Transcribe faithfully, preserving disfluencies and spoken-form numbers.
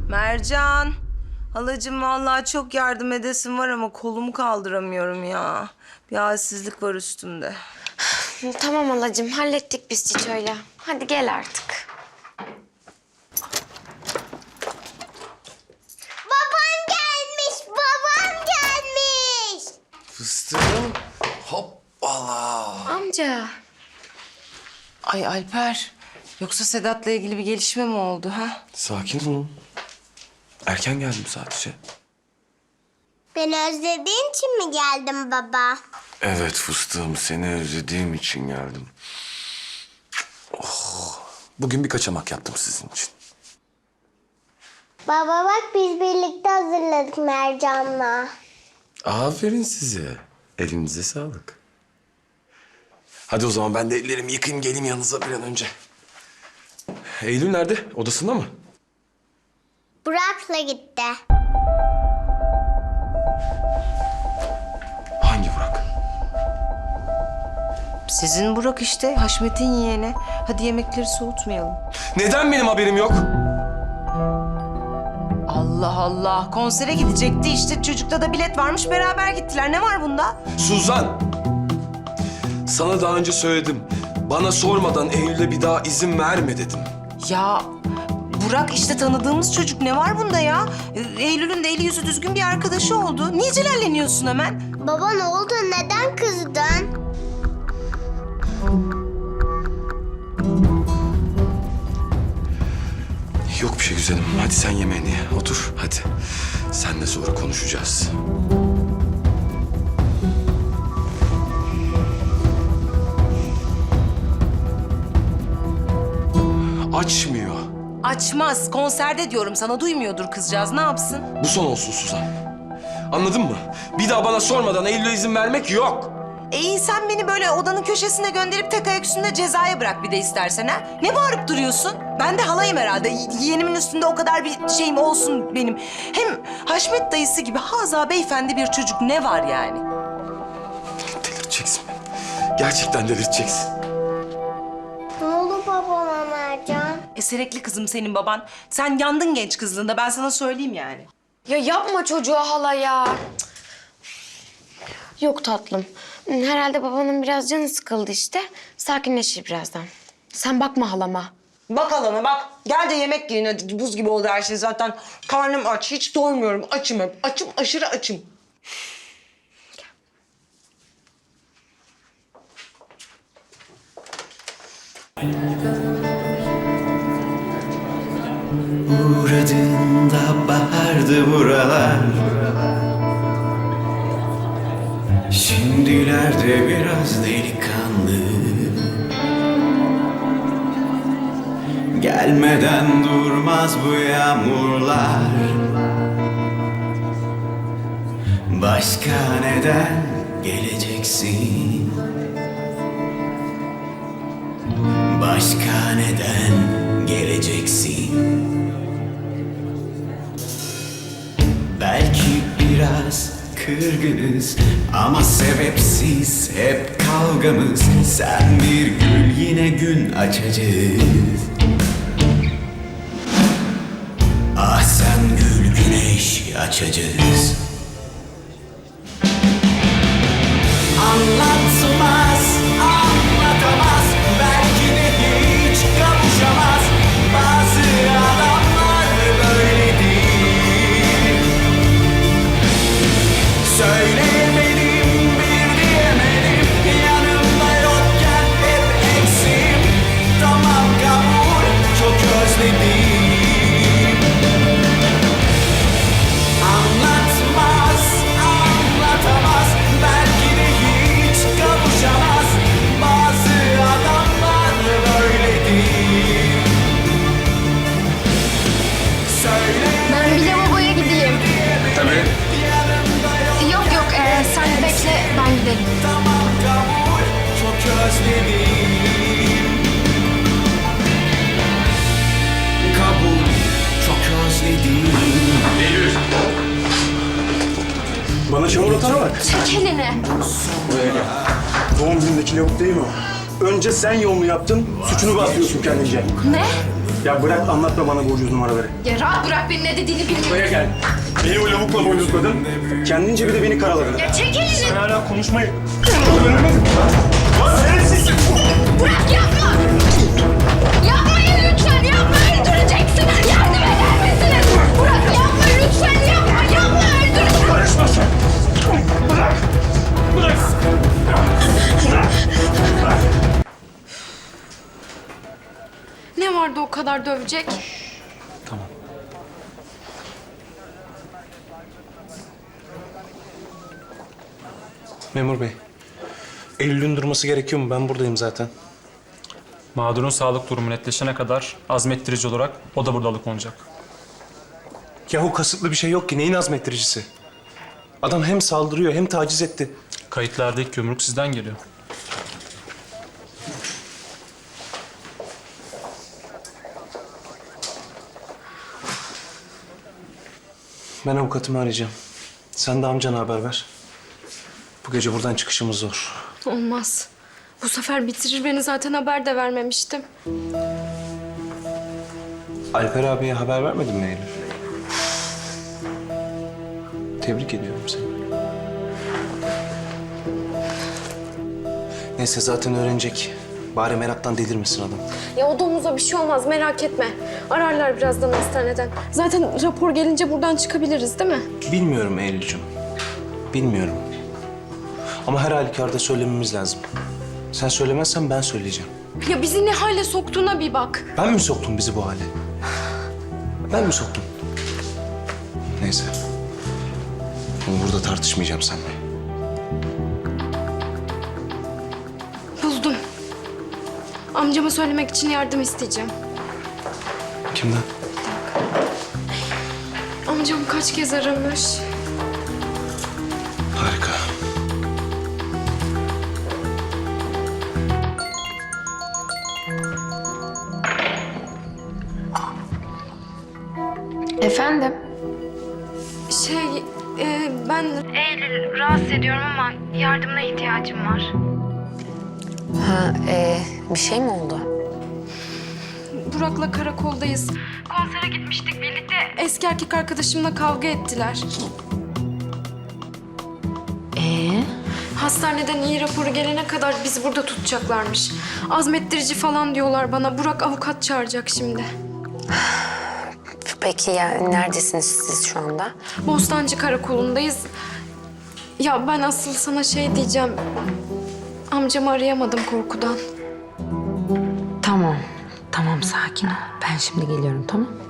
Mercan. Halacığım vallahi çok yardım edesim var ama kolumu kaldıramıyorum ya. Bir halsizlik var üstümde. Tamam halacığım, hallettik biz Çiço'yla. Hadi gel artık. Babam gelmiş, babam gelmiş. Fıstığım. Hoppala. Amca. Ay Alper. Yoksa Sedat'la ilgili bir gelişme mi oldu ha? Sakin olun. Erken geldim sadece. Beni özlediğin için mi geldin baba? Evet fıstığım, seni özlediğim için geldim. Oh. Bugün bir kaçamak yaptım sizin için. Baba bak biz birlikte hazırladık Mercan'la. Aferin size. Elinize sağlık. Hadi o zaman ben de ellerimi yıkayayım geleyim yanınıza bir an önce. Eylül nerede? Odasında mı? Burak'la gitti. Hangi Burak? Sizin Burak işte, Haşmet'in yeğeni. Hadi yemekleri soğutmayalım. Neden benim haberim yok? Allah Allah, konsere gidecekti işte. Çocukta da bilet varmış, beraber gittiler. Ne var bunda? Suzan! Sana daha önce söyledim. Bana sormadan Eylül'e bir daha izin verme dedim. Ya Burak işte tanıdığımız çocuk. Ne var bunda ya? Ee, Eylül'ün de eli yüzü düzgün bir arkadaşı oldu. Niye celalleniyorsun hemen? Baba ne oldu? Neden kızdın? Yok bir şey güzelim. Hadi sen yemeğini ye. Otur hadi. Seninle sonra konuşacağız. Açmıyor. Açmaz. Konserde diyorum sana. Duymuyordur kızcağız. Ne yapsın? Bu son olsun Suzan. Anladın mı? Bir daha bana sormadan Eylül'e izin vermek yok. E iyi sen beni böyle odanın köşesine gönderip tek ayak üstünde cezaya bırak bir de istersen ha. Ne bağırıp duruyorsun? Ben de halayım herhalde. Y- Yeğenimin üstünde o kadar bir şeyim olsun benim. Hem Haşmet dayısı gibi haza beyefendi bir çocuk ne var yani? Delirteceksin beni. Gerçekten delirteceksin. Ne oldu babama Mercan? Eserekli kızım senin baban. Sen yandın genç kızlığında ben sana söyleyeyim yani. Ya yapma çocuğa hala ya. Cık. Yok tatlım. Herhalde babanın biraz canı sıkıldı işte. Sakinleşir birazdan. Sen bakma halama. Bak alana bak. Gel de yemek yiyin hadi. Buz gibi oldu her şey zaten. Karnım aç. Hiç doymuyorum. Açım hep. Açım aşırı açım. Uğradığında bahardı buralar. Şimdilerde biraz delikanlı. Gelmeden durmaz bu yağmurlar. Başka neden geleceksin? Başka neden geleceksin? Belki biraz kırgınız ama sebepsiz hep kavgamız. Sen bir gül yine gün açacağız. Ah sen gül güneş açacağız. Anlatmaz, anlatamaz, belki de hiç kavuşamaz. Bazı adamlar böyle değil. Söyleyemedim, bir diyemedim, yanımda yokken hep eksim. Tamam kabul, çok özledim. Anlatmaz, anlatamaz, belki de hiç kavuşamaz. Bazı adamlar böyle değil. Söyle. Ben bir lavaboya gideyim. Tabii. Yok yok ee, sen bekle ben gidelim. Tamam kabul, çok özledim. Kabul, çok özledim. Eylül. Bana çikolata bak. Çek elini. Doğum günündeki lavuk değil mi o? Önce sen yolunu yaptın, suçunu basıyorsun kendince. Ne? Ya bırak anlatma bana bu ucuz numaraları. Ya rahat bırak beni, ne dediğini bilmiyorum. Buraya gel. Beni o lavukla boynuzladın. Kendince bir de beni karaladın. Ya çekil elini. Sen hala konuşmayı... Lan şerefsiz! Bırak, yapma. Yapmayın lütfen, yapma, öldüreceksin. Yardım eder misiniz? Bırak, yapma lütfen, yapma, yapma, öldüreceksin. Karışma sen! Bırak! Bırak! Ne vardı o kadar dövecek? Tamam. Memur bey, Eylül'ün durması gerekiyor mu? Ben buradayım zaten. Mağdurun sağlık durumu netleşene kadar azmettirici olarak o da burada alıkonacak. Yahu kasıtlı bir şey yok ki. Neyin azmettiricisi? Adam hem saldırıyor hem taciz etti. Kayıtlardaki gömrük sizden geliyor. Ben avukatımı arayacağım. Sen de amcana haber ver. Bu gece buradan çıkışımız zor. Olmaz. Bu sefer bitirir beni, zaten haber de vermemiştim. Alper abiye haber vermedin mi Eylül? Tebrik ediyorum seni. Neyse zaten öğrenecek. Bari meraktan delirmesin adam. Ya o domuza bir şey olmaz, merak etme. Ararlar birazdan hastaneden. Zaten rapor gelince buradan çıkabiliriz değil mi? Bilmiyorum Eylül'cüğüm. Bilmiyorum. Ama her halükarda söylememiz lazım. Sen söylemezsen ben söyleyeceğim. Ya bizi ne hale soktuğuna bir bak. Ben mi soktum bizi bu hale? Ben mi soktum? Neyse. Bunu burada tartışmayacağım seninle. Buldum. Amcama söylemek için yardım isteyeceğim. Kimden? Amcam kaç kez aramış. Harika. Efendim? Şey, e, ben... Eylül, rahatsız ediyorum ama yardımına ihtiyacım var. Ha, e, bir şey mi oldu? Burak'la karakoldayız. Konsere gitmiştik birlikte. Eski erkek arkadaşımla kavga ettiler. Ee? Hastaneden iyi raporu gelene kadar bizi burada tutacaklarmış. Azmettirici falan diyorlar bana. Burak avukat çağıracak şimdi. Peki ya neredesiniz siz şu anda? Bostancı karakolundayız. Ya ben asıl sana şey diyeceğim. Amcamı arayamadım korkudan. Tamam, tamam sakin ol. Ben şimdi geliyorum, tamam?